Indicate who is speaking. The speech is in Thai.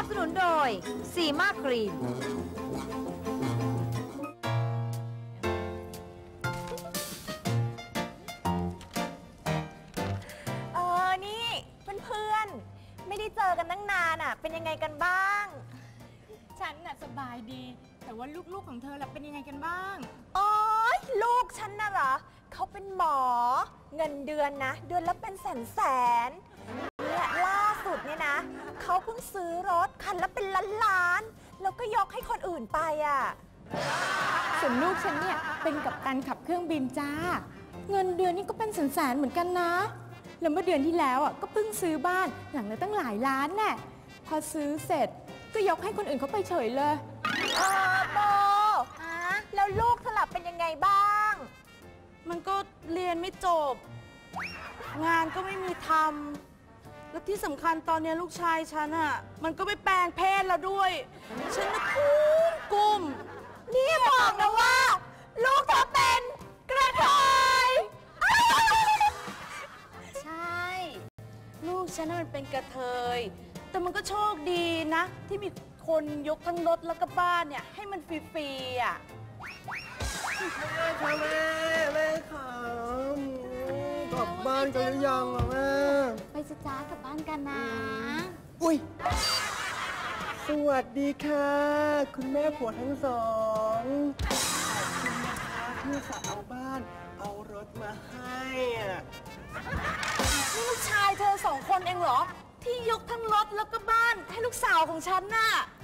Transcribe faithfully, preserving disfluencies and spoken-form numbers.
Speaker 1: สนุนโดยซีมาครีม
Speaker 2: เออนี่เพื่อนๆไม่ได้เจอกันตั้งนานอ่ะเป็นยังไงกันบ้าง
Speaker 3: ฉันน่ะสบายดีแต่ว่าลูกๆของเธอล่ะเป็นยังไงกันบ้าง
Speaker 2: โอ๊ยลูกฉันน่ะเหรอเขาเป็นหมอเงินเดือนนะเดือนละเป็นแสนแสนเนี่ยล่าสุดเนี่ยนะเขาเพิ่งซื้อรถคันละเป็นล้านล้านแล้วก็ยกให้คนอื่นไปอ่ะ
Speaker 3: ส่วนลูกฉันเนี่ยเป็นกัปตันขับเครื่องบินจ้าเงินเดือนนี่ก็เป็นแสนๆเหมือนกันนะแล้วเมื่อเดือนที่แล้วอ่ะก็เพิ่งซื้อบ้านหลังละตั้งหลายล้านแน่พอซื้อเสร็จก็ยกให้คนอื่นเขาไปเฉยเลย
Speaker 2: เออโบแล้วลูกเธอล่ะเป็นยังไงบ้าง
Speaker 4: มันก็เรียนไม่จบงานก็ไม่มีทำแล้วที่สำคัญตอนนี้ลูกชายฉันอ่ะมันก็ไปแปลงเพศแล้วด้วยฉันน่ะกุ้มกุ้ม
Speaker 2: นี่บอกนะว่าลูกเธอเป็นกระเทย
Speaker 4: ใช่ลูกฉันน่ะมันเป็นกระเทยแต่มันก็โชคดีนะที่มีคนยกทั้งรถแล้วก็บ้านเนี่ยให้มันฟรีๆอ่ะ
Speaker 5: แม่ค่ะแม่แม่ค่ะกลับบ้านกันหรือยังอ่ะแม่
Speaker 3: ไปจะจ้ากลับบ้านกันนะ
Speaker 5: อุ้ยสวัสดีค่ะคุณแม่ผัวทั้งสองคุณนะคะที่สาวบ้านเอารถมาให้อ่ะ
Speaker 4: นี่ลูกชายเธอสองคนเองเหรอที่ยกทั้งรถแล้วก็บ้านให้ลูกสาวของฉันน่ะ